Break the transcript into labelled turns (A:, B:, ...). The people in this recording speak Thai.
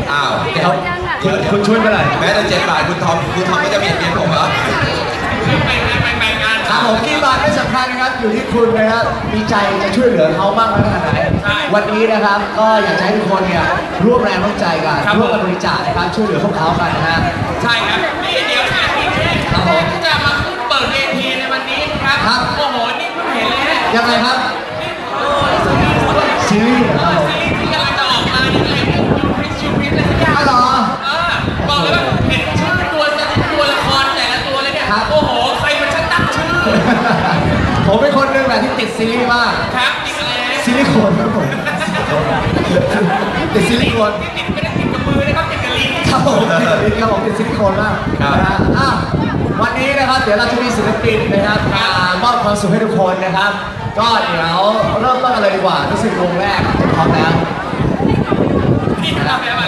A: อ้าว
B: เดี๋ยวคุณช่วยเมื่อไหร่
A: แม้แต่7 บาทคุณทอมก็จะเบียดเบียนผมเหรอ
B: ครับผมกี่บาทไม่สำคัญนะครับอยู่ที่คุณนะครับมีใจจะช่วยเหลือเขามากน้อยขนาดไหนวันนี้นะครับก็อยากจะให้ทุกคนเนี่ยร่วมแรงร่วมใจกันร่วมกันบริจาคนะครับช่วยเหลือพวกเขากันนะฮะ
C: ใช่ครับนี่เดี๋ยวนะที่
B: ครับผม
C: จะมาเปิดเวทีในวันนี้นะครับ
B: ครับ
C: โอ้โหนี่เพิ่งเห็นเลยฮะ
B: ยังไงครับซีรีส์เหรอครับผม
C: ซีรีส์ที่กำลังจะออกมาเนี่ยอะไรเนี่ยยูพิษอะไรสักอย่าง
B: อ๋อเหรอ
C: บอกเลยว่าเห็นชื่อตัวละครแต่ละตัวเลยเนี่ย
B: ครับ
C: โอ้โหใครมันช่างตั้งชื่อ
B: ผมเป็นคนหนึ่งแหละที่ติดซีรีส์มาก
C: ครับอีกแล้ว
B: ซิลิโคนครับผมติดซิลิโคน
C: ติดไม่ได้ติดกับมือนะครับติดกับลิ้น
B: ครับผมติดครับผมติดซิลิโคนมาก
A: ครับ
B: นะฮะอ่ะวันนี้นะครับเดี๋ยวเราจะมีศิลปินนะครับมามอบความสุขให้ทุกคนนะครับ ก็เดี๋ยวเริ่มต้นกันเลยดีกว่ารู้สึกวงแรกพร้อมแล้ว
C: นี่ทำแบบ